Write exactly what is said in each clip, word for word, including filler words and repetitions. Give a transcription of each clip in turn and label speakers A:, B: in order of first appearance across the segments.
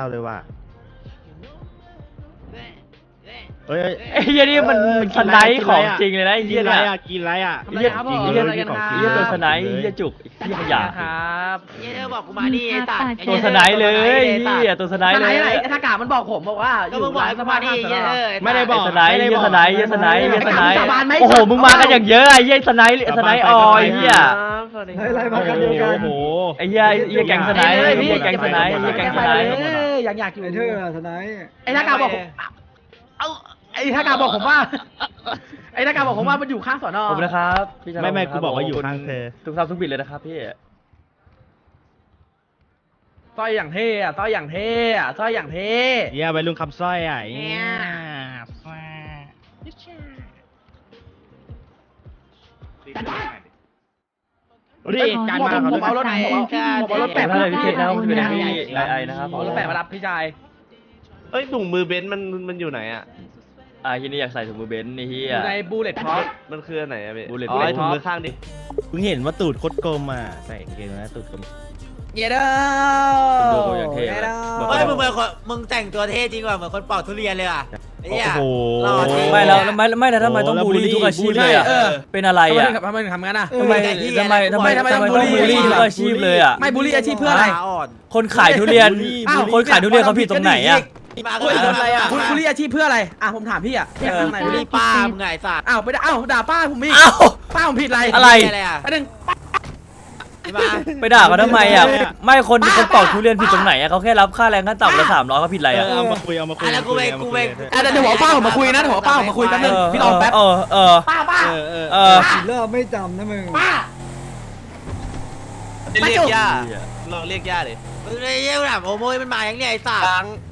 A: เลยว่ะเฮ้ย
B: ไอ้เหี้ยนี่มันมันสไนป์ของจริงเลยนะไอ้
A: กิ
B: เหี้
A: น
B: ย
A: อะไร
B: เนี่ย
A: อ่ะกินอะไรอ่ะ
B: ไอ้เหี้ย
C: ครับผม
B: ไอ้เหี้ย
C: อะไรกันครับ
B: ไอ้เหี้ยตัวสไนป์ไอ้เหี้ยจุกไอ้เหี้ยขยะ
C: ครับเหี้ยบอกกูมาดิไอ้สัตว์
B: ตัวสไนป์เลยเหี้ยตัวสไนป์
C: ส
B: เล
C: ไน
B: ย
C: ป์อะไรไอ้ทากามันบอกผมบอกว่าก็มึงบอกกูมาดิเหี้ย
A: ไม่ได้บอก
B: สไนป์เหี้ยสไนป์เหี้ยสไนป์เหี้ยสไนป์
C: สาบานไหม
B: โอ้โหมึงมากันอย่างเยอะไอ้เหี้ยสไนป์สไนป์ออยเหี้ย
D: เฮ้ยอะไรมากันเดียวกัน
A: โอ้โห
B: ไอ้เหี้ยไอ้เหี้ยแก๊งสไนป์ไอ้เหี้ยแก๊งสไนป์ไอ้เหี้ยแก๊งสไนป์
C: อยากอยากอยู่
D: ไอ้เธอสไนป์
C: ไอ้ทากาบอกเอาไอ้ทากาบอกผมว่าไอ้ทากาบอกผมว่ามันอยู่ข้างสอนอ
B: ขอบคุณนะครับพี่ชาย
A: ไม่ไม่กูบอกว่าอยู่ข้างเธอ
B: ทุกท่านทุกบิดเลยนะครับพี่
C: ต้อยอย่างเท่อะต้อยอย่างเท่อะต้อยอย่างเท่
A: เยี่ยไปลุงคำสร้อยอ่ะ
C: เนี่ย
A: รีบการมา
C: ผมเอารถไหนผมเอารถ
B: แปะ
C: แปะ
B: มา
C: มา
B: เล
C: เลย ย
B: พี่
C: พี่
B: เคนนะ
C: เคนนะ
B: คือนะพี่ไอไอนะครับ
C: ผมเอารถแปะมารับพี่ชาย
E: เอ้ยถุงมือเบนซ์มันมันอยู่ไหนอ่ะ
B: อ่าที่นี่อยากใส่ถุงมือเบนซ์นี่เฮี
C: อย ยู่ในบูเลตท็อป
E: มันคืออันไหนอะพี่
B: Bullet
E: อ๋อไอ้
B: Bullet
E: ถุงมือข้างดิ
A: เพิ่งเห็นว่าตูดโคตรกลมอ่ะใส่กางเกงนะตูดกลม
C: เยเด้อ
B: คุณดูอย่างเท่เลย
F: เฮ้ยมึงเป็นคนมึงแต่งตัวเท่จริงว่ะเหมือนคนปอกทุเรียนเลยอ่ะไอ้เหี้ย
A: โอ้โห
F: หล่อจริง
B: ไม่แล้วไม่ไม่แล้วทำไมต้องบูลลี่ทุกอาชีพเลยอ่ะ
C: เออ
B: เป็นอะไร
C: ทำไม
B: อ่ะ
C: ถึงทำไมถึงทำงั้นอ่ะ
B: ทำไมทำไมทำไมทำไมต้องบูลลี่ทุกอาชีพเลยอ่ะ
C: ไม่บูลลี่อาชีพเพื่ออะไร
F: ขาอ่อน
B: คนขายทุเรียน
C: อ้าว
B: คนขายทุเรียนเขาผิดตรงไหนอ่ะ
F: มา
C: เฮ้ย
F: ทำอะไรอ่ะ
C: คุณบูลลี่อาชีพเพื่ออะไรอ่ะผมถามพี่อ่ะ
B: เออ
C: ไหน
F: บุ
C: บูล
F: รี
C: ลี่
F: ป้ามึงไงไอ้สัตว์
C: อ้าวไปด่าอ้าวด่าป้าผมอีก
B: อ้าว
C: ป้าผมผิดอะไร
B: อะไร
F: อะไรอ่ะ
C: ไปหนึ่ง
F: มา
B: ไปด่าเขาทำไมอ่ะไม่คนคนปอกทุเรียนผิดตรงไหนอ่ะเขาแค่รับค่าแรงขั้นต่ำละสามร้อยเขาผิดอะไร
A: เอ
B: อ่ะ
A: อเอามาคุยเอามาคุย
F: อ่ะแล้วกูไปกูไป
C: อ่ะเดี๋ยวเดี๋ยวหัวป้าผมมาคุยนะเดี๋ยวหัวป้าผมมาคุยแป๊บนึงพี่รอแป๊บ
B: เออเออ
C: ป้าป้า
A: เออเออ
B: เออ
D: กินเหล้าไม่จำนะมึง
C: ป้า
E: เรียกย่าลองเรียกย่าเลย
F: มึงเลยเยี่ยมแบบโอ้โมยมันมาอย่างเนี้ยไอ้สัตว์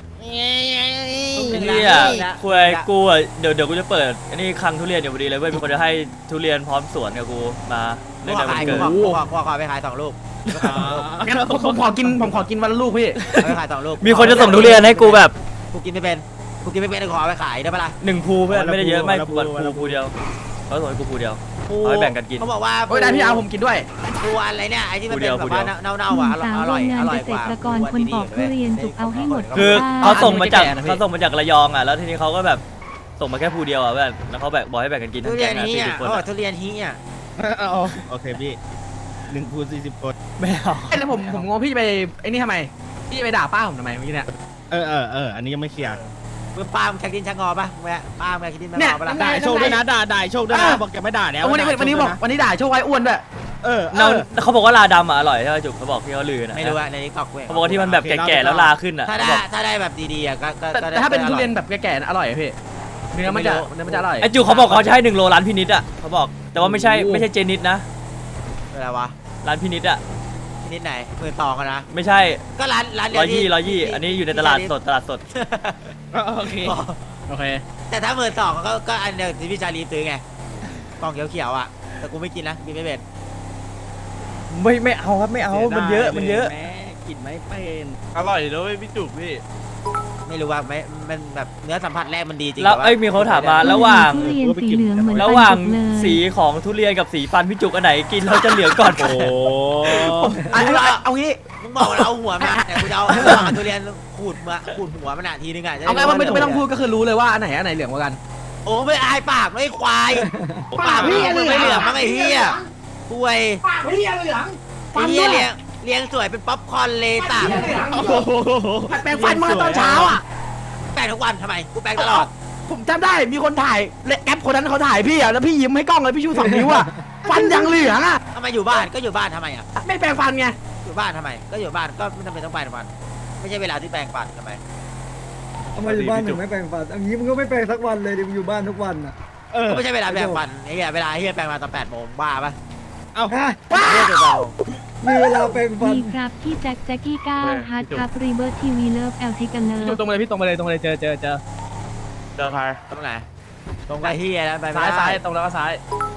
B: เนี่ยคุยกูอ่ะเดี๋ยวเดี๋ยวกูจะเปิดอันนี้คลังทุเรียนอยู่พอดีเลยเว้ยมีคนจะให้ทุเรียนพร้อมสวนกับกูมา
F: กู
B: ใน
F: ขอ
B: วัน
F: ขาย
B: เกิ
F: กู
B: ด
F: ขอกูขอกูขอไปขายสองลูก
C: งั้นผมผมขอกินผมขอกินวันละลูกพี่
F: ไปขายสองลูก
B: มีคนจะส่งทุเรียนให้กูแบบ
F: กูกินไม่เป็นกูกินไม่เป็นขอไปขายได้ปะล่ะ
B: หนึ่งภูเพื่อนไม่ได้เยอะไม่ภูภูภูเดียวเขาส่งให้กูภูเดียวเอาให้แบ่งกันกิน
F: เขาบอกว่า
C: โอ้ยได้พี่เอาผมกินด้วย
F: ปูอะไรเนี่ยไอ้ที่มัน
B: กูเดี
F: เป็
B: ย
F: น
B: ว
F: แบบว่า
B: กูเดียว
F: เน่าๆอ่ะอ
G: สาว
F: ร่อย
G: โรงงาน
F: อร่อย
G: เก
F: ก
G: ษ
F: ว่า
G: ตรกรคนปอกทุเรียนจุกเอาให้หมด
B: คือ
G: บ้น
B: เขาส่งมาจาก
C: ไม่แก่นะพี่
B: เขาส่งมาจากระยองอ่ะแล้วทีนี้เขาก็แบบส่งมาแค่ภูเดียวอ่ะเพื่อนแล้วเขาแบ่งบอกให้แบ่งกันกิน
F: ทุ
B: ทั้ง
F: เรี
B: แก๊
F: ยน
B: งนะ
F: นี้
B: สี่
F: อ่ะ
B: สิบคน
F: เขาบอก
B: อะ
F: ทุเรียนนี้อ่ะ
A: เอาโอเคพี่หนึ่งคูณสี่สิบคน
B: ไม่เอา
C: เอ้ยแล้วผมผมงงพี่จะไปไอ้นี่ทำไมพี่จะไปด่าป้าผมทำไมเมื่อกี้เนี่ย
A: เออเออเอออันนี้ยังไม่เคลียร์
F: มึงป้ามึงชักดินชักงอปะแม่ป้ามึงชักดินชัก
C: เนี่
F: ง
C: ย
F: อปะล่ะ
A: ด่าโชคด้วยนะด่าด่าโชคด้วยนะบอกแกไม่ด่าแล้ว
C: เอาวันนี้วันนี้บอกวันนี้ด่าโชคไว้อ้วนด้วย
A: เออ
B: เราเขาบอกว่าลาดำอ่ะอร่อยใช่ไหมจุกเขาบอกที่เขาลือนะ
F: ไม่รู้อะในนี้ตอกเว้ย
B: เขาบอกว่าที่มันแบบแก่ๆแล้วลาขึ้นอ่ะ
F: ถ้า
B: เขา
F: ได้
B: บอก
F: ถ้าได้แบบดีๆอ่ะก็ก็
C: แต่
F: ก็ได้
C: แต่ถ้าเป็นทุเรียน
F: ก็อ
C: แบบแก่ๆอร่อยอะพี่เนื้อมันจะเนื้อมันจะอร่อย
B: ไอจุกเขาบอกเขาจะให้หนึ่งโลร้านพินิดอ่ะเขาบอกแต่ว่าไม่ใช่ไม่ใช่เจนิดนะ
F: อะไรวะ
B: ร้านพินิดอ่ะ
F: นิดไหนหมื่นสองอะนะ
B: ไม่ใช่
F: ก็ร้านร้านเดี
B: ร้
F: ว
B: อยยี่
F: ที่
B: ร้อยยี่อันนี้อยู่ในตลาดสดตลาดสด
A: โอเค
C: โอเค
F: แต่ถ้าหมื่นสองก็ก็อันเดียวที่พี่ชาลีซื้อไงกล่องเขียวๆอ่ะแต่กูไม่กินนะกินไม่เป็น
B: ไม่ไม่เอาครับไม่เอามันเยอะมันเยอะ
A: แม่กินไม่เป็น
E: อร่อยด้วยพี่จุกพี่
F: ไม่รู้ว่าไม่มันแบบเนื้อสัมผัสแรกมันดีจริง
B: แล้ว
F: ต่า
B: เอ้ยมีเขาถามมาระหว่าง
G: ทุเรียนสีเหลืองเหมือน
B: ระหว่าง
G: ปันจุกเลย
B: สีของทุเรียนกับสีฟันพี่จุกอันไหนกินเราจะเหลืองก่อน
A: โอ้
C: เอาเอาเอางี้
F: มึงบอกว่าเอาหัวมาแต่กูจะเอาเอาทุเรียนขูดมาขูดหัวมันอ่ะทีนึงอ่ะจะด้
C: เอาไงว่าไม่
F: รู้
C: ไม่ต้องพูดก็คือรู้เลยว่าอันไหนอันไหนเหลืองกว่ากัน
F: โอ้ไม่อายปากไม่ควายปากพี่มึงไม่เหลืองมั้งไอ้เหี้ยป่วย
C: ปากพี่เหลือง
F: ไอ้เหี้ยเลี้ยงเลี้ยงสวยเป็นป๊อปคอร์นเลยตา
C: แปรงฟันมาตอนเช้าอ่ะ
F: แปลงทุกวันทำไมกูแปลงตลอด
C: ผมจำได้มีคนถ่ายแอปคนนั้นเขาถ่ายพี่อ่ะแล้วพี่ยิ้มให้กล้องเลยพี่ชูสองนิ้วอ่ะฟันยังเหลืองอ่ะ
F: ทำไมอยู่บ้านก็อยู่บ้านทำไมอ่ะ
C: ไม่แปรงฟันไง
F: อยู่บ้านทำไม ก็อยู่บ้านก็ไม่จำเป็นต้องไปทุกวันไม่ใช่เวลาที่แปลงฟันทำไม
D: ทำไมอยู่บ้านถึงไม่แปรงฟันอันนี้มึงก็ไม่แปรงสักวันเลยดิมึงอยู่บ้านทุกวันอ่ะ
A: เออ
F: ก็ไม่ใช่เวลาแปลงฟันไอ้เหี้ยเวลาไอ้เหี้ยแปลงมาตอนแปดโมงบ้าปะ
A: เอ้า
D: ฮะ
F: เหี้ยเดี๋ยวเรา
D: มีเวลาแปรงฟัน
G: ดีครับพี่แจ็คแจ็คกี้ก้าวฮาร์ดครับรีเบิร์ทีวีเลิฟแอลทิกันเลิ
C: พี่
G: ฟ
C: ตรงไปเลยพี่ตรงไปเลยตรงไปเลยเจอเจอเจอ
E: เจอใคร
F: ตรงไหนตรงไปเหี้ยแล้วไปไม่
C: ซ้าย
F: ได้
C: ซ้ายตรงแล้วก็ซ้าย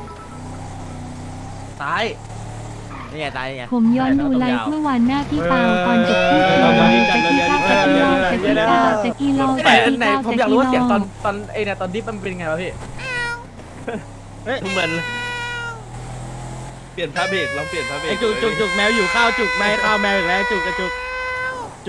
C: ซ้าย
F: นี่ไงตายนี่ไง
G: ผมย้อนดูไลฟ์เมื่อวานหน้าพี่ปาวก่อนจบที่สี่แจ็คกี้ก้าวแจ็คกี้เล่าแจ็คกี้ก้าวแจ็คกี้เล่า
C: แต่
G: แจ็คกี้
C: ไหน
G: ก้าว
C: ผม
G: แจ็ค
C: อยากรู้
G: กี้
C: ว่าเสียงตอ
G: เล่าน
C: ตอนไอ้เนี่ยตอนดิฟมันเป็นไงวะพี่
A: เฮ้ย
E: เหมือนเปลี่ยนผ้าเบรกลองเปลี่ยนผ้าเบรก
A: ไอ้จุกจุกจุกแมวอยู่ข้าวจุกแมวข้าวแมวอีกแล้วจุกกระจุกจุ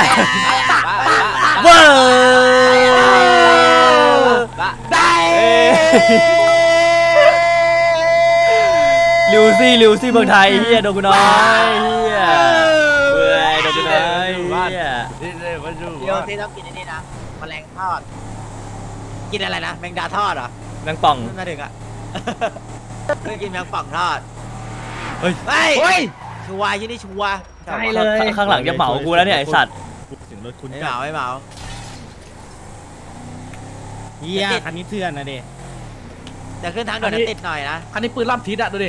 B: เว้ย
C: ได้
B: ลิวซี่ลิวซี่เมืองไทยเฮียโดนกูน้อยเฮียเว้ยโดนกูน้อยเฮีย
E: นี่เลยมาดู
F: เดี๋ยวซีต้องกินอันนี้นะแมลงทอด กินอะไรนะแมงดาทอดเหรอ
B: แมงป่อง
F: นั่นถึงอ่ะ เคยกินแมงป่องทอด
B: เฮ้ย
F: เฮ้ย
C: เฮ้ย
F: ชัวร์ยี่นี่ชัวร์
C: ใช่เลย
B: ข้างหลังจะเหมากูแล้วเนี่ยไอสัตว์
A: เสียงรถคุณ
F: ไม่
A: จั
F: เห
A: ด
F: มาไม่เหมา
A: เฮียคันนี้เถื่อนนะเด็
F: แต่ขึ้นทางด่วนติดหน่อยนะ
C: คันนี้ปืนรอบทิศอะดูดิ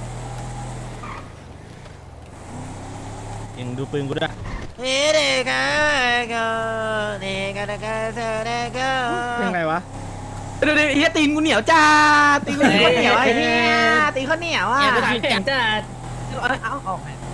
A: ยังดูปืนกูด้วย
F: เฮ้เด็กอะก็เด็กอะก็เธอเด็กก็
A: ยังไงวะ
C: ดูดิเฮียตีนกูเหนียวจ้าตีนกูเหนียวไอ้เฮียตีนเขาเหนียวอ่ะ
G: แข็งจัด
C: เอาเอา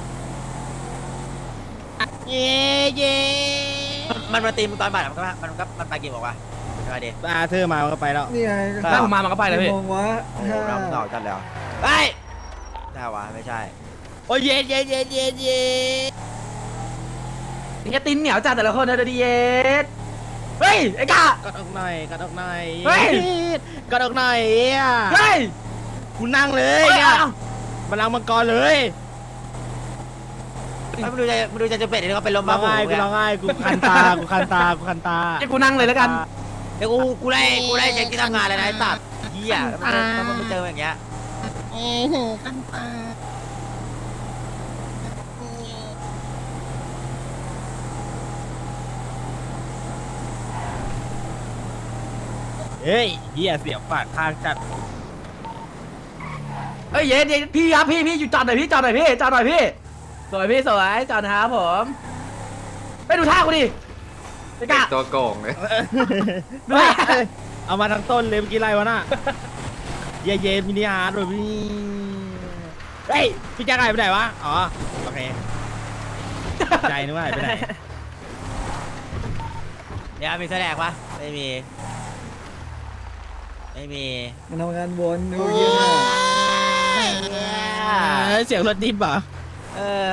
A: เย่เย่
F: มันมาตีมึงตอนบ่ายมันก็มันก็มันไปกี่โมงวะมาดิ
A: ตาเธอมามันก็ไปแล้ว
D: นี่ไง
C: ถ้าผมมามันก็ไปเลยพี่
D: มองวะ
F: โอ้โหเราเก่าจัดแล้วไปใช่วะไม่ใช่
A: โอ้ยเย่เย่เย่เย่เย่
C: เฮียตีนเหนียวจ้าแต่ละคนนะดูดิเย็ดเฮ้ยไอ้กาก
A: ดออกหน่อยกดออกหน่อย
C: เฮ้ย
A: กดออกหน่อยเฮีย
C: เฮ้ย
A: กูนั่งเลยเนี่ยบัลลังก์มังกรเลย
F: มึงดูใจมึงดูใจจะเป็ดนี่ก็เป็นลม
A: ร้
F: บ้า
A: อง
F: หู
A: ไห้กูร้องไห้กูคันตากูคันตากูคันตา
C: ให้กูนั่งเลยแล้วกัน
F: เดี๋ยวกูกูไล่กูไล่เช็คที่ทำงานเลยนะไอ้ตัดเหี้ยแล้วมันมาเจออย่างเงี้ย
A: เฮ้ยเฮียเสียบปากข้างจัด
C: เฮ้ยเย็ดเย็ดพี่ครับพี่พี่อยู่จอดหน่อยพี่จอดหน่อยพี่จอดหน่อยพี่สวยพี่สวยจอดนะครับผมไปดูท่ากูดิไอ้กา
H: ตัวโกงเลย
C: ดูท่า
A: เอามาทั้งต้นเลยเมื่อกี้ไรวะน่ะเย่เย่มินิฮาร์ดเลยพี่เฮ้ยพี่แจ๊คหายไปไหนวะอ๋อโอเคใจนึกว่าหายไปไหน
F: เดี๋ยวมีแสดงปะไม่มีไม่มี
D: มันทำงานวนดูเยี่ยม
A: เอ้ยเสียงรถดิบเหรอ
F: เออ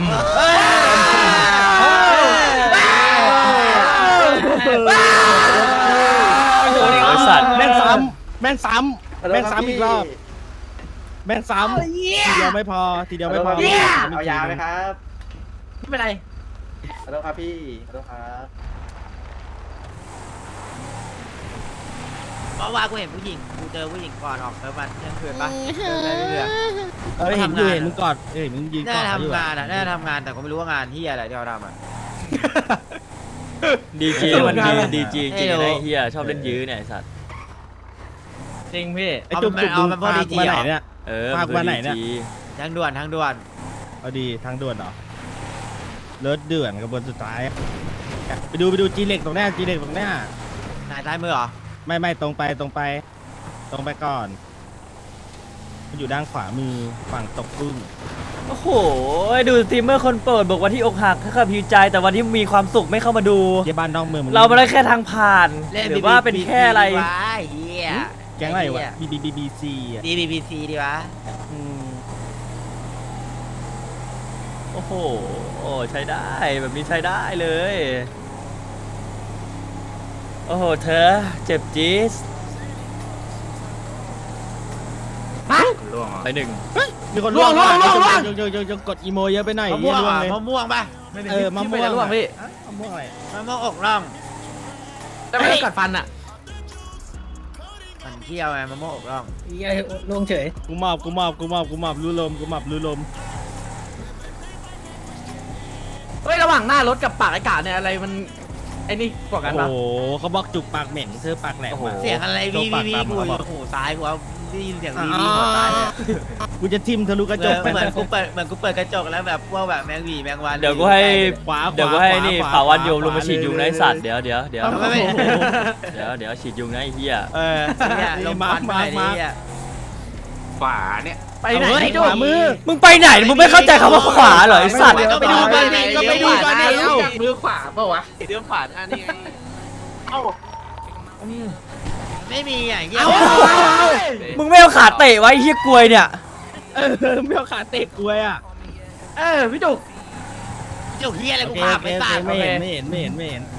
B: ไอ้สัตว์
A: แม่งซ้ำแม่งซ้ำแม่งซ้ำอีกรอบแม่งซ้ำทีเดียวไม่พอทีเดียวไม่พอ
E: เอายาไหมครับ
C: ไม่เป็นไร
E: ขอโทษครับพี่ขอโทษครับ
F: เพราะว่ากูเห็นผู้หญิงกูเจอผู้หญิงก่อนออกเซิร์ฟวันเที่ยงคืนปะเดินไปเรื่อย
A: เออเห็นอยู่เห็นมึงกอดเอ้ยมึงยืน
F: ๆน่าก
A: อด
F: จะ
A: เขาอยู่
F: ทำงา
A: อะ
F: นอ่ะน่าจะทำงานแต่ก็ไม่รู้ว่างานที่อะไรที่เขาทำอ่ะ
B: ดีจีมันดีดีจีจริง
F: เออ
B: ๆนะไอ้เฮียชอบเล่นยื้อเนี่ยไอ้สัตว์
C: จริงพี่
A: ไอ้จุกจุก
F: เอา
A: มึง
F: มันพอ
A: พา
F: ดี
A: กู
F: จี
A: มา
F: เหร
A: ไหน
F: อ
A: เนี่ย
B: เออ
A: พากูมาไหนเนี่ย
B: ดีจี
F: ทางด่วนทางด่วน
A: เอาดีทางด่วนเหรอรถเดือนกระบวนสุดท้ายไปดูไปดูจีเล็กตรงเนี้ยจีเล็กตรงเนี้ย
F: นายซ้ายมือเหรอ
A: ไม่ไม่ตรงไปตรงไป ตรงไปก่อนมันอยู่ด้านขวามือฝั่งตกกุ้ง
B: โอ้โหดูสตรีมเมอร์คนโปรดบอกวันที่อกหักถ้าขับหิวใจแต่วันที่มีความสุขไม่เข้ามาดู
A: เยี่ยบ้านนอกเมืองมึง
B: เราไม่ได้แค่ทางผ่าน หรือว่าเป็นแค่อะไร
F: วะเฮีย
A: แก๊งอะไรวะบีบีบีบีซีอ่ะ
F: ดีบีบีซีดีวะ
A: อืม
B: โอ้โหโอ้ใช้ได้แบบนี้ใช้ได้เลย โอ้โหเธอเจ็บจี๊ดไปหนึ่ง
A: มีคนล่วงล่วงล่วงล่วงยกยกยกกดอีโมเยอะไปหน่อย
F: มะม่วง
A: ล่วง
F: อ่ะ
A: เลย
F: มะม่วงปะ
A: เออมะม่วง
C: ร่วงพี่
A: มะม่วงอะไร
F: มะม่วงอกร่อง
C: แต่ไม่ได้กัดฟันอ่ะ
F: มันเที่ยวไงมะม่วงอกร่อง
D: ลงเฉย
A: กูมอบกูมอบกูมอบกูมอบรู้ลมกูมอบรู้ลม
C: เฮ้ยระหว่างหน้ารถกับปากไอ้กาเนี่ยอะไรมันไอ้นี่กว่ากัน
A: โอ้
C: ปะ
A: โหเขาบอกจุกปากเหม็นเธอปากแหลมมา
F: เสียงอะไรวีวีวีกูอยู่หูซ้ายกูเอาได้ยินเสียงวีวีหัวซ้ายเลย
A: กูจะทิ่มทะลุกระจก
F: เหมือนกูเปิดเหมือนกูเปิดกระจกแล้วแบบพวกแบบแมงวีแมงวัน
B: เดี๋ยวกูให้
A: ขวา
B: เดี๋ยวกูให้นี่
A: ขวา
B: ป่าวันโยม
A: ขวา
B: ลงมาฉีดยุงนะไอ้สัตว์เดี๋ยวเดี๋ยวเดี๋ยว
F: ไม่ไม่
B: เดี๋ยวเดี๋ยวฉีดยุงนะไอ้เหี้ย
F: เออเนี่ยลงมามามา
E: ฝาเนี่ย
C: ไปไหน
A: เฮ้ย
C: พี่ดู
A: ขวามือ
B: มึงไปไหนมึงไม่เข้าใจคำว่าขวาเหรอไอ้สัตว์
F: ก็ไปดูก่อนดิก็ไปดูก่อนดิ
E: รู้จักมือขวาเปล่าวะเรื่องขวาท่านี่ไงเอ้า
F: ไม่มีอย่างเงี้ย
B: มึงไม่เอาขาเตะไว้ไอ้เหี้ยกลวยเนี่ย
A: เออไม่เอาขาเตะกล้วยอ่ะ
C: เออพี่จุก
F: จุกเฮียอะไร
A: โอ
F: กู
A: เค
F: พา
A: โอ
F: ไป
A: เค
F: ตัด
A: ไม่เห็นไม่เห็นไม่เห็นไม่เห็น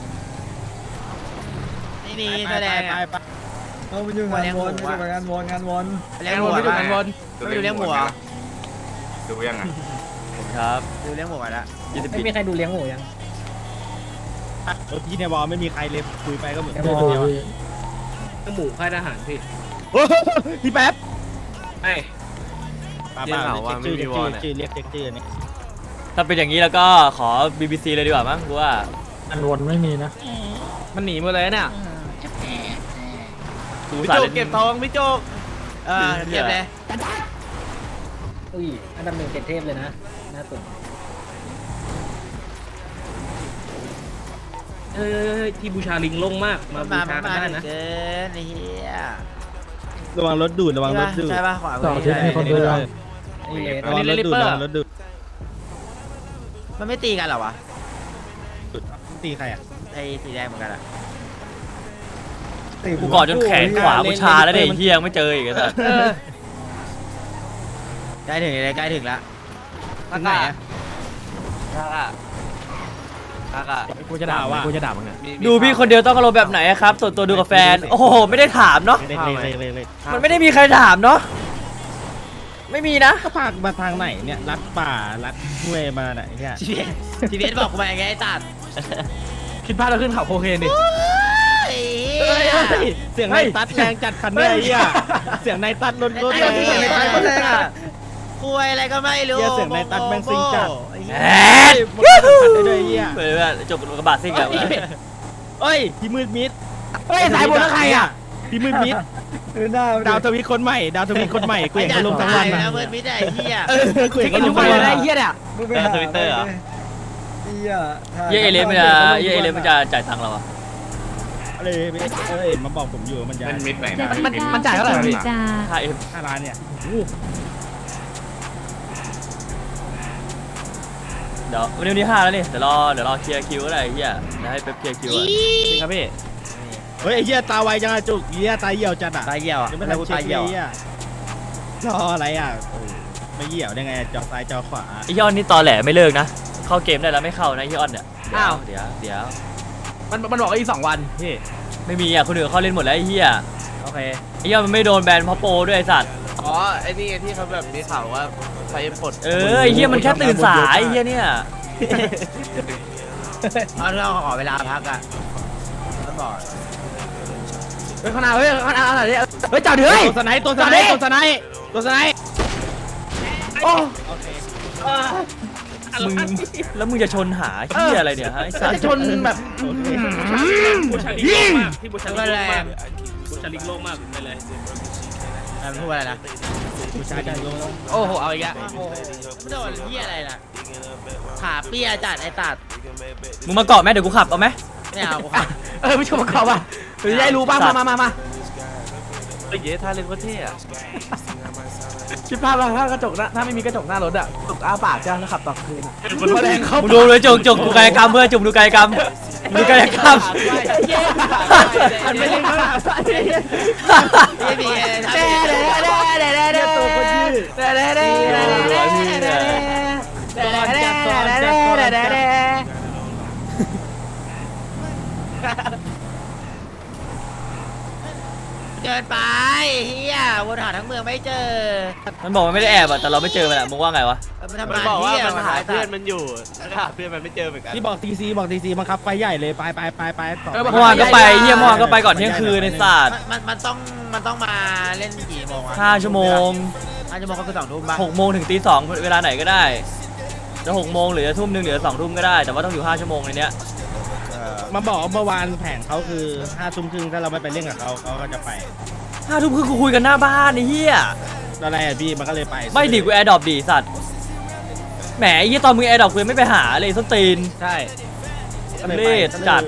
F: ไม่มี
A: ไป
F: แสดง
A: ไป
F: อ่ะ
A: ไป
D: เอาไปอยู่งานวนไปงานวนงานวน
F: เลี้ยงหมู
C: พี่จุกกันวน
F: ไม่ดูเลี้ยงหมูอ่ะ
E: ดูยังไง
B: ครับ
F: ดูเลี้ยงหมูอ่ะละ
B: ยี่สิบ
D: ไม่มีใครดูเลี้ยงหมูยัง
A: เออพี่ในวอลไม่มีใครเลยคุยไปก็เหมือน
D: แค่
A: เดิ
D: บ
A: ม
D: อก
A: เดียวอะ
C: หมูค่ายทหารพี่
A: โอ้โหพี่แป๊บ
C: ไอ้
A: ป้าป้าเรียกชื่อเรียกชื่อชื่อเรียกเรียกชื่อนี่
B: ถ้าเป็นอย่างนี้แล้วก็ขอ บี บี ซี เลยดีกว่ามั้งกูว่า
D: งานวนไม่มีนะ
C: มันหนีหมาเลยเนี่ย
B: กู
F: พี่
B: สา
F: จุ
B: เล่
F: ก
B: น
F: เก็บทองพี่จุกเออเก็บเลย
D: อุ้ยอันดับหนึ่งเจ็ดเทพเลยนะน่าตื่น
C: เออที่บูชาลิงลงมากมาบู
F: มา
C: ชา
F: มา
C: กันได้นะ
F: เกินไอ้เหี้ย
A: ระวังรถดูดระวังรถดูด
F: ใช่ป่ะขวา
D: สอง
F: มื
D: ทิศมีคนดูยัง
A: ระวังรถดูดระวังรถดูด
F: มันไม่ตีกันเหรอวะ
A: ตีใครอ่ะ
F: ไอ้สีแดงเหมือนกันอ่ะ
B: กูกอดจนแขนขวากูชาแล้วเนี่ยไอ้เหี้ยยังไม่เจออีกไอ้สัส
F: ใกล้ถึงเลยใกล้ถึงแล้ว
A: ถึงไหนอ่ะ
C: กูจะด่าว่ากูจะด่ามึงอ่ะ
B: ดูพี่คนเดียวต้องอารมณ์แบบไหนอะครับ ส่วนตัวดูกับแฟน โอ้โห ไม่ได้ถามเนาะ
A: เล็กเล็กเล็กเล็กเล็ก
B: มันไม่ได้มีใครถามเนาะ ไม่มีนะ
A: ก็พามาทางไหนเนี่ยลัดป่าลัดห้วยมาไหนเนี่ย
F: ทีเอสทีเอสบอกกูมาอย่างไงไอ้ตัด
C: คิดพลาดเราขึ้นเขาโคเคนดิ
F: ไอ้
A: เฮ้ยเสียงในตัดแรงจัดคันเนี่ยไอ้เหี้ยเสียงในตัดรถรถ
F: ไอ้
A: แรง
F: เหี้ย
A: ในตัดรถแรงอ่ะ
F: คุยอะไรก็ไม่รู้
A: เหี้ยเสียงในตัดแม่งซิงจัด
B: แอด
A: ยูฮูได้ด้วยไอ้เหี้ย
B: เปิดว่าจบกระบะซิ่งอะ
A: เฮ้ยพี่มืดมิด
C: เฮ้ยสายบนแล้วใครอ่ะ
A: พี่มืดมิด
D: ดูหน้า
A: ดาวทวีคนใหม่ ดาวทวีคนใหม่กูเห็นเขาลงทั้งวัน
F: นะ
A: นะ
F: เมื่อมิดไอ้เหี้ย
A: เออกูเห็น
C: กิ
A: เขา
C: น
A: ล
C: ทุ
A: ง
C: กวั
A: ทั้
C: น
A: ง วัน
C: เลยนะไอ้เหี้ยเนี่ย
D: มึงไปหา
B: ทวิตเตอร์เหรอ
D: เหี้ย
B: เย่เอเลนมันจะเย่เอเลนมันจะจ่ายตังค์เราอะ
A: อะไรเออเห็นมาบอกผมอยู่มันจะ
E: มันมิดไป
G: เจ็
E: นะ
G: ด
C: มัน
G: สิบ
C: มันจ่ายเท่าไหร่พี่
G: จ้า
B: ห้าเอ็ม
A: ห้าล้านเนี่ย
B: เดี๋ยววันนี้วันที่ห้าแล้วนี่ เดี๋ยวรอ เดี๋ยวรอเคลียร์คิวก็ได้ไอ้เฮียเดี๋ยวให้เป๊ปเคลียร์คิวอะ
C: ครับพี่
A: เฮ้ยไอ้เหี้ยตาไวจังอะจุกเหี้ยตาเหี่ยวจัดอะ
F: ตายเหี่ยวอ่ะ
A: ยัง
F: ไม่
A: ไม่
F: ได้
A: ทัน
F: กู
A: เช็
F: ตา
A: ค
F: ย
A: เล
F: เหี่ยวย
A: อะรออะไรอะโอ้ไม่เหี่ยวได้ไงจอซ้ายจอขวา
B: ไอ้ยอนนี่ตอแหลไม่เลิกนะเข้าเกมได้แล้วไม่เข้านะไอ้ยอนเนี่ย
C: อ้าว
B: เดี๋ยวเดี๋ยว
C: มันมันบอกว่าอีกสองวันพี่
B: ไม่มีอ่ะคนอื่นเขาเล่นหมดแล้วไอ้เหี้ย
F: โอเค
B: ไอ้ยอนมันไม่โดนแบนเพราะโปรด้วยไอ้สัตว์
E: อ๋อไอ้นี่ที่เขาแบบมีข่าวว่าใครปลด
B: เออไอ้เหี้ยมันแค่ตื่นสายไอ้เหี้ยเนี่ย
F: เอาเราขอเวลาพักอ่ะแล้วบอก
C: เฮ้ยข้างหน้าเฮ้ยข้างหน้าข้างหน้าดิเฮ้ยจอดดิเฮ้ย
A: ตัวสไนป์ตัวสไนป์ตัวสไนป์ตัวสไนป์
C: โอ้
B: มึงแล้วมึงจะชนหาเหี้ยอะไรเนี่ยฮะไอ้สัตว์
C: จะชนแบบ
H: บูชาลิกโลกมากพี่บูชาลิก
F: ก็
H: โล
F: แร
H: กมาก
F: ง
H: บูชาลิกโลกมากไปเลย
F: มันพูดอะไรนะ
A: ผู้ชายจังลง
C: โอ้โหเอาอีกแล้ว
F: ไม่โดนเหี้ยอะไรนะขาเปียจัดไอ้ตัด
B: มึงมาเกาะไหมเดี๋ยวกูขับเอาไหม
F: ไม่เอากูขา
C: เออไม่ชมเขาป่ะหรือจะได้รู้บ้างมามามามา
E: เฮ้ยเย้ท่าเล่นว่าเท่อะ
C: คิดภาพว่าถ้ากระจกหน้าถ้าไม่มีกระจกหน้ารถอะตกอ้าปากจ้าแล้วขับต่อคืนอะแรงเขา
B: มึงดูเลยจุกจุกดูกายกรรมเพื่อนจุกดูกายกรรมดูกายกรรม
C: มันไม่ใช่ขนาดนั้น
F: ไม่มี
C: เด้เด้เด้เด้เด้เด้ตัวคนยืดเด้เด้เด้เด้เด้เด้เด้เด้เด้เด้เด้เด้
F: เกินไปเฮียวนหาทั้งเมืองไม่เจอ
B: มันบอกมันไม่ได้แอบอะแต่เราไม่เจอมันอะมึงว่าไงวะ
F: มันทำ
E: มัน
F: งาน
E: บอกว่า
F: เฮีย
E: มันหา
F: ตั
E: เพื่อ
F: ด
E: นมันอยู่แล้วหาเพื่อนมันไม่เจอเหมือนกัน
A: ที่บอกทีซีบอกทีซีบังคับไฟใหญ่เลยไปไปไปไปต่อ
B: เมื่อวานก็ไปเฮียเมื่อวานก็ไปก่อนเที่ยงคืนในศาสตร์
F: มันมันต้องมันต้องมาเล่นกี่โมงอะ
B: ห้าชั่วโมง
F: ห้าชั่วโมงก็คือสองทุ่มป่ะ
B: หกโมงถึงตีสองเวลาไหนก็ได้จะหกโมงหรือจะทุ่มหนึ่งหรือสองทุ่มก็ได้แต่ว่าต้องอยู่ห้าชั่วโมงในเนี้ย
A: มาบอกว่าเมื่อวานแผงเขาคือห้าทุ่มครึ่งถ้าเราไม่ไปเล่นกับเขาเขาก็จะไป
B: ห้าทุ่มคือกูคุยกันหน้าบ้านไอ้เหี้ย
A: อะไรอะพี่มันก็เลยไป
B: ไม่ดิกูแอร์ดรอปดิสัตว์แหมไอ้เหี้ยตอนมึงแอร์ดรอปกูยังไม่ไปหาเลยส้นตีน
C: ใช่
A: ก็เลย
B: เล
A: ไป
B: ดจัด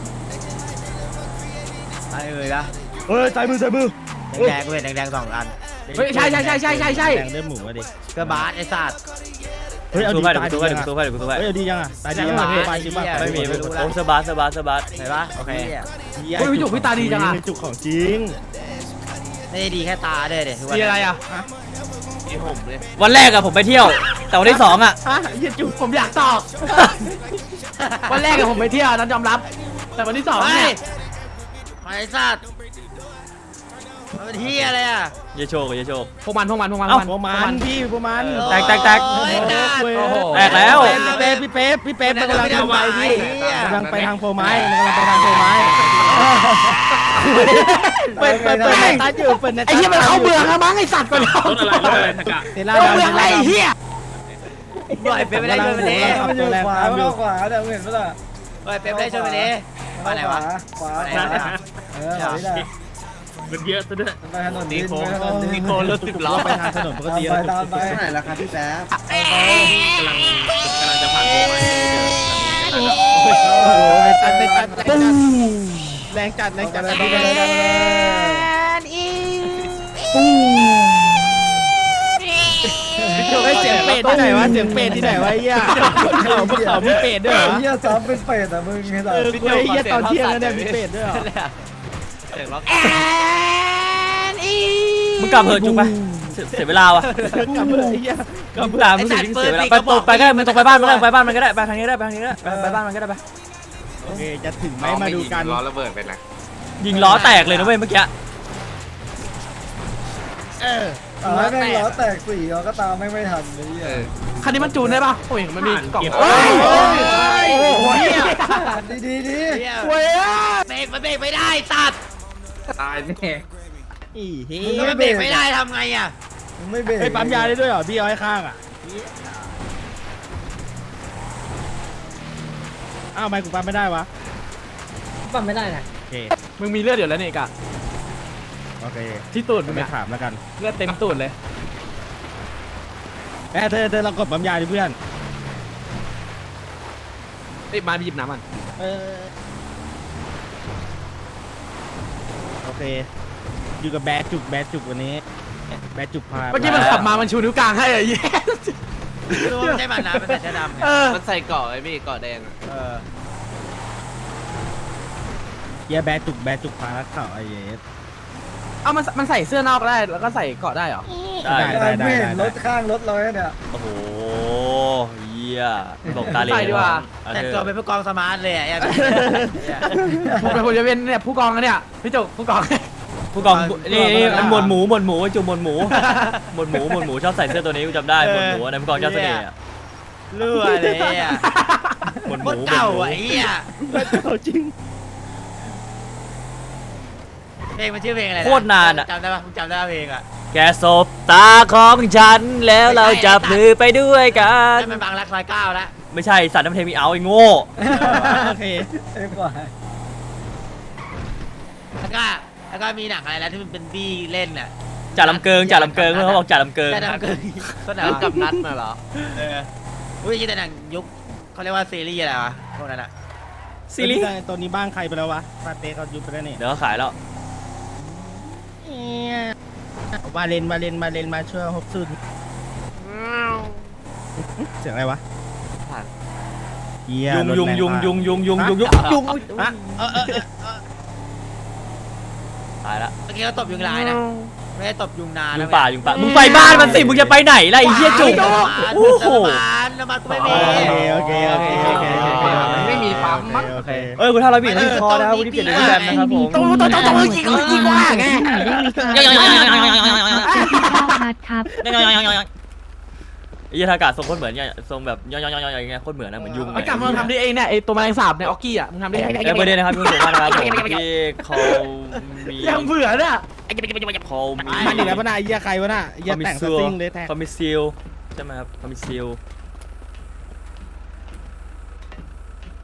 F: ไอ้เอ้ยนะ
A: เฮ้ยใส่มือใส่มือ
F: แดงๆกูเห็นแดงๆสองอัน
C: เฮ้ยใช่ใช่ใช่ใช่ใช่ใช่
A: แดงเลือดหมูอะดิ
F: กระบาดไอ้สัตว์
A: เฮ้ยเอา
B: ดู
A: ดี
B: ไป
A: ตาย
B: เดี๋ยว
A: ดี
B: กูดูไป
A: ยัง
B: เดี๋ยว
A: อะ
B: กูดูไปเดี๋ยวกูดูไป
A: เฮ้ยเอาดียังอะตายดียัง
F: ไม่
A: อะ
F: มี
A: ไปจริงป่ะ
B: ไม่มีไม่มี
F: รู้แล้ว
B: โอ้สบาสบาสบาส
F: เห็นปะโอเค
C: เฮ้ยพี่จุกพี่ตาดีจังอะ
A: จุกของจริง
F: ไม่ได้ดีแค่ตาด้วยเด็
C: มีอะไรอะ
E: ที่ผมเลย
B: วันแรกอะผมไปเที่ยว แต่วันที่สองอะ
C: ฮะยี่จุกผมอยากตอบวันแรกอะผมไปเที่ยวนั้นยอมรับ แต่วันที่สอง
F: เฮ้
C: เนี่ย ย
F: ไอ้สัตว์มันเป็นที่อะไรอ่ะ
B: เยโชกเยโชก
C: พวกมันพวกมันพวกมัน
A: เอ้าพวกมันพี่พวกมัน
B: แตกแตกแตก
F: โอ้ยจ้า
A: โอ้ย
C: โอ้โห
B: แตกแล้ว
A: พี่เป๊ปพี่เป๊ปพี่เป๊ปมันกำลังทำไปพี่
F: เหี้ย
A: กำลังไปทางโฟไม้มันกำลังไปทางโฟไม้เปิดเปิดเปิดในตัดอยู่เปิดในตัด
C: ไอ้เหี้ยมันเข้าเมืองแล้วมั้งไอ้สัตว์ก่อน
H: ต้นอะไรต้นอะไรตะกะ
A: เทล่า
C: เข้า
A: ดำ
C: เมืองอะไรไอ้เหี้ย
F: ปล่อยเป็นไปได้ชนไปเลย
D: มันอยู่ขวามันอยู่ขวาเดี๋ยวเห็นปะล่ะ
F: ปล่อยเป็นไปได้ชนไปเลยมาไหนวะ
D: ขวา
F: มาไหน
D: ขวาว
F: ะ
D: เออขวานี่แหละ
H: มันเยอะซะด้วย
D: ไปถนนดินไปถนนดิน
E: มีโกนรถสิบล้อ
A: ไปทางถนนปก
D: ตาม
A: ติ
D: ไปตามไป
I: ไหนล่ะครับพี่แป๊บ
H: กำลังกำลังจะผ่านโค้งไป
A: โอ้โหในตัดในตัดแรงจัดแรงจัดแรงจัด
D: ไปเลยไปเลย
A: โอ้ยเสียงเป็ดที่ไหนวะเสียงเป็ดที่ไหนวะไอ้เหี้ยเขาพวกเขามีเป็ดด้วยเหรอ
D: เฮียซ้ำเป็นเป็ดอ่ะมึงไงล่ะ
A: เออกูไอ้เหี้ยตอนเที่ยงแล้วเนี่ยมีเป็ดด้วยเหรอ
E: เสียงล็อก
B: มึงกลับเถอะจุกไปเสียเสียเวลาว่ะ
A: กลับเลยไอ้เหี้ยกลับ
B: มึงตามมึงสิยิ่งเสียเวลาไปตรงไปก็ได้มึงตรงไปบ้านมันก็ได้ไปบ้านมันก็ได้ไปทางนี้ก็ได้ไปทางนี้ก็ได้ไปไปบ้านมันก็ได้ไป
A: โอเคจะถึงไหมมาดูกัน
E: ล้อระเบิดไปนะ
B: ยิงล้อแตกเลยนะเว้ยเมื่อกี้
A: เออ
D: ต่อให้แม่งล้อแตกสี่ล้อก็ตามไม่ไม่ทันเลยเฮีย
C: คันนี้มันจูนได้ปะโอ้ยมันมีกล่อง
A: เฮ้ย
C: โอ้โหเหี้ย
D: ดีดีดี
C: เว้ย
F: เบรกมันเบรกไม่ได้ตัด
E: ตายแน่
A: อีเหี้
F: มึง
A: ย
F: มันเบรกไม่ได้ทำไงอ่ะ
D: มึงไม่เบรก
A: ไปปั๊มยาได้ด้วยเหรอพี่เอาให้ข้างอ่ะอ้าวทำไมกูปั๊มไม่ได้วะ
D: ปั๊มไม่ได้นะ
A: โอเค
C: มึงมีเลือดเดี๋ยวแล้วนี่กะ
A: โอเค
C: ที่ตูดมึง
A: ไม่
C: อะ
A: ถามแล้วกัน
C: เลือดเต็มตูดเลย
A: แม่เธอเธอเรากดปั๊มยาดิเพื่อน
C: เอ้ยมาไปหยิบน้ำมัน
A: เออโอเคอยู่กับแบดจุกแบดจุกวันนี้แบดจุกพา
C: เมื่อกี้มันขับมามันชูนิ้วกลางให้ไอ้เหี้ย
F: รู้ว่าใช่มันนะมันใส่เสื้อดำไง
C: เออ
E: มันใส่เกาะไอ้พี่เกาะแดงอะ
F: เออ
A: เกหี้ยแบจุกแบจุกพารักเข่าไอเยส
C: เอามันมันใส่เสื้อนอกได้แล้วก็ใส่เกาะได้เหรอ
B: ได้
A: ได้
D: ไม่เห็นรถข้างรถเราเนี่ย
B: โอ้โหเหี้ยบอกตาเหล
C: ใส่ดีกว่า
B: เอา
F: แต่
B: เถ
F: ตัว
B: อะ
F: เป็นผู้กองสมาร์ทเลยอ่ะ
C: ผมเป็นผมจะเป็นเนี่ยผู้กองนะเนี่ยพี่จุกผู้กอง
B: ผู้กองนี่นี่มันหมวดหมูหมวดหมูไอ้จุ่มหมวดหมูหมวดหมูหมวดหมูชอบใส่เสื้อตัวนี้กูจำได้หมวดหมูอันนั้นผู้กองเจ้าเสน่ห์อะ
F: รั่วเลยอ่ะ
B: หมวดห
F: โค
B: มู
F: ตร
B: หมวด
F: เก่า
B: หมู
F: อ่ะไอ้เหี้ย
A: เอาจริง
F: เพลงมันชื่อเพลงอะไระ
B: โคตรนานอ่ะ
F: จำได้ปะมึงจำได้ปะเพลงอ่ะ
B: แกสบตาของฉันแล้วเราจะพลือไปด้วยกัน
F: ให้มันบางรักซอยเก้าแล้ว
B: ไม่ใช่สัตว์น้ำเพลงมีเอาไอ้โง่
A: โอเค
D: ไอ้ฝ่าย
F: แล้วก็แล้วก็มีหนังอะไรแล้วที่มันเป็นบี้เล่นน่ะ
B: จ่าลำเกิงจ่าลำเกิงเพื่อนเขาบอกจ่าลำเกิง
F: แต่หนังเกินก็หนังกับนัดน่ะเหรอเอออุ้ยแต่หนังยุคเขาเรียกว่าซีรีส์อะไรวะพวกนั้นอ่ะ
B: ซีรีส์
A: ตัวนี้บ้างใครไปแล้ววะปาเต้เขายุบไปแล้วนี่
B: เดี๋ยวเขาขายแล้ว
A: วาเลนวาเลนมาเลนมาช่วยฮบซุนเสียงอะไรวะเหี้
B: ยุงยุงยุงยุงยุงยุงยุงยุง
A: ยุงฮะเออเออเออ
B: ตายละ
F: เมื่อกี้เขาตบยุงลายนะไม่ได้ตบยุงนาน
B: ยุ
F: นะ
B: งป่ายุงป่ามึงไปบ้านมันสิมึงจะไปไหนล่ะไอ้เหี้ยจุก
F: โอ้
B: โอ้
F: โห
B: โห
F: น้ำมันกูไม่มี
A: โอเคโอเคโอเคโอเค
C: ไม่มีปั๊มมั้ง
A: โอเค
B: เอ้ยคุณท่าร้อยบีที่คอนะครับวันนี้เปลี่ยนเป็นแบนนะครับผม
C: ต้องต้องต้องต้องยิงยิงว่าไง
G: พัดครับ
B: ไอ้ยี่ทากาศทรงโคตรเหมือนเนี่ยทรงแบบย่อยๆๆๆอย่างเงี้ยโคตรเหมือนนะเหมือนยุง
C: ไอ้กลับมาทำดิเองเนี่ยไอ้ตัวแมลงสาบเนี่ยออกกี้อ่ะมึงทำดิ
B: เอ้ยประเด็นนะครับคุณสมบัตินะครับผมที่เขามี
C: ยังเบื่อเนี่ย
B: เขามี
A: มันอีกแล้วปะน่ะไอ้เหี้ยใครวะน่ะไอ้เหี้ย
B: เขามี
A: แต่งส
B: ซิล
A: ติ้งเลยแท็ก
B: เขามีซิลใช่ไหมครับเขามีซิล